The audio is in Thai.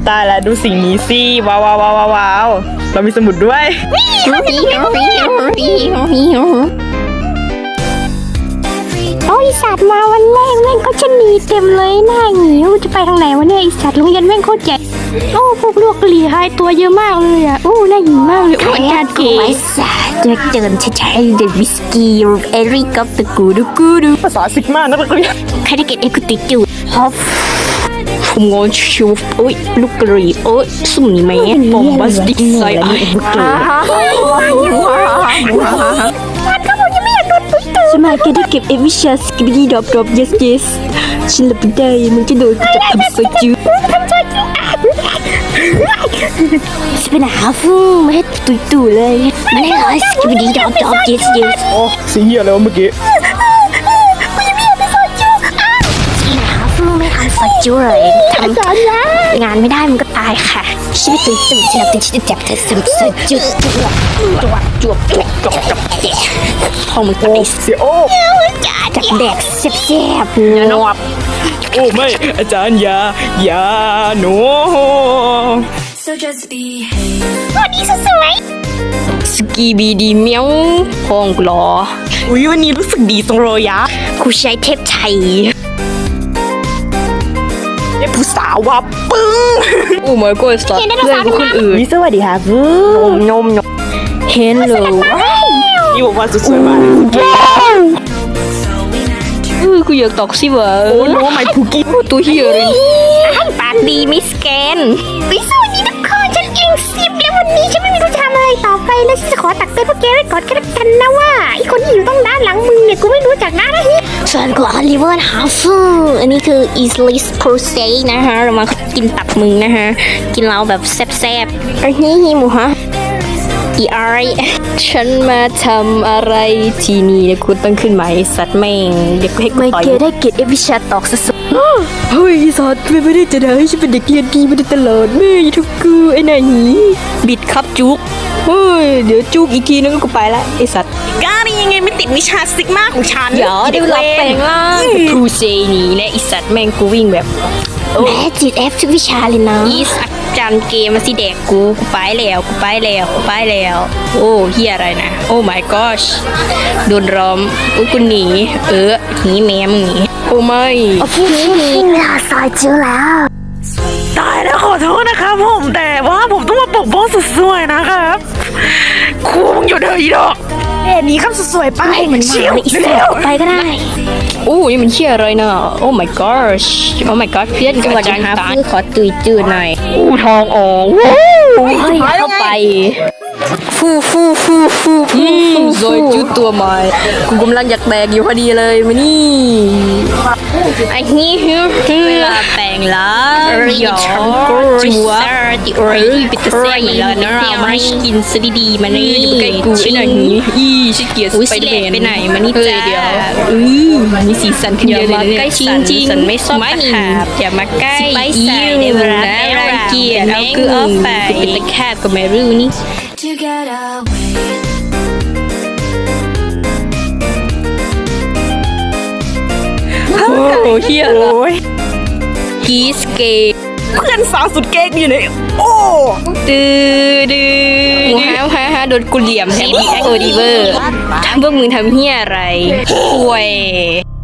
ตายแล้วดูสิ่งนี้สิว้าวว้าวว้าวว้าวเรามีสมุดด้วยโอ้ยสัตว์มาวันแรกแม่งก็ชนีเต็มเลยหน้าหงิวจะไปทางไหนวะเนี่ยไอสัตว์โรงเรียนแม่งโคตรใหญ่โอ้พวกลูกกะหรี่หายตัวเยอะมากเลยอ่ะโอ้หน้าหงิวมากเลยโอ้อาจารย์เก๋จะเจอใช่เดวิสกี้เอริกกับตะกูดูภาษาซิกมานักเรียนใครได้เกตเอกุติจูฮอฟงงชูโอ้ยลูกกะหรี่โอ้ยสุ่มนี่แม่บอมบัสติกไซไอสมัยแกได้เก็บเอวิชาสกิบดีดรอป yes ฉันหลับไม่ได้มันจะโดนจับทำโซจูฉันเป็นหาฟูไม่ให้ตุยเลยไม่ได้เลยสกิบดีดรอป yes โอ้สิ่งเหี้ยอะไรวะเมื่อกี้ไม่ทำสักจุเลยทำงานไม่ได้มันก็ตายค่ะชีวิตตื่นฉันตื่นฉันจับเธอสักจุจวบห้องมึงตายเสียโอ้จับแดกแซ่บๆนวบโอ้ไม่อาจารย์อย่าหนู So just behave. วันนี้สวยสกีบีดีเมียวห้องกลออุ้ยวันนี้รู้สึกดีตรงโรยะกูใช้เทปไทยเด็กผู้สาวว่าปึ้งโอ้ my god เพื่อนคนอื่นวิสวัสดีค่ะฟูนมเห็นเลยนี่บอกว่าสวยมากกูอยากตอกสิวะโอ้โนไม่คุกกี้ตัวเฮียเลยปากดีมิสแกนวิสวัสดีทุกคนฉันเก่ง10แล้ววันนี้ฉันไม่มีรู้จะทำอะไรต่อไปแล้วฉันจะขอตักเตือนพวกแกไว้ก่อนกันละกันนะว่าไอคนที่อยู่ต้องด้านหลังมึงเนี่ยกูไม่รู้จักนะฮิส่วนกูอลิเวอร์ฮาฟูอันนี้คือ Eastless Crusade นะคะเรามากินตับมึงนะคะกินเราแบบแซ่บๆอันนี้ฮิมูฮะอีไอฉันมาทำอะไรที่นี่เนี่ยคุณต้องขึ้นมาไอสัตว์แม่งเด็กให้กูต่อยไม่ได้เกตเอวิชาตอกสุดเฮ้ยสัตว์ไม่ได้จะได้ฉันเป็นเด็กเรียนดีมาตลอดแม่ทุกกูไอ้นายหนีบิดครับจุกเฮ้ยเดี๋ยวจุกอีกทีนึงก็ไปละไอสัตว์ก้านี่ยังไงไม่ติดวิชาซิกมาของฉันเดี๋ยวรับแปลงร่างครูเซนี่นะไอสัตว์แม่งกูวิ่งแบบแม่จิตเอฟทุกวิชาเลยนะอีสัตว์จานเกมมาสิแดกกูไปแล้วโอ้เฮียอะไรนะโอ้ my gosh โดนล้อมอุ้ยกูหนีหนีแม่มึงหนีโอ้ไม่นี่ลาซอยจิ้วแล้วตายแล้วขอโทษนะครับผมแต่ว่าผมต้องมาปกป้องสุดสวยนะครับครูมึงอยู่เถอะอีดอกเอ็นี้ครับสุดสวยไปให้มันมาเลยอีสัตว์ไปก็ได้โอ้นี่มันเฮียอะไรนะโอ้ my gosh โอ้ my god เพื่อนจังหวัดยังตาขอตุยจืดหน่อยอู้ทองออกเฮ้ยเข้าไปฟูซอยจุดตัวใหม่กูกำลังอยากแตกอยู่พอดีเลยมานี่ไอ้นี่เวลาแปลงละหยอจัวติโอริปิตเซ่แล้วนะเรามาให้กินซะดีๆมานี่ใกล้กูไอ้หน่อยนี้ชิเกียร์ไปเดนไปไหนมานี่จ้าเดี๋ยวมีสีสันขึ้นเยอะเลยใกล้จริงสันไม่ชอบตะขาบอย่ามาใกล้ยิ้วนะรังเกียจเอาคือเอาไปเป็นตะขาบก็ไม่รู้นี่ To get away. โอ้เฮียละกีสเกตเพื่อนสาวสุดเก๊กอยู่ไหนโอ้ฮาโดนกูเหลี่ยมแถมดีแอคโอดิเวอร์พวกมึงทำเฮียอะไรป่วย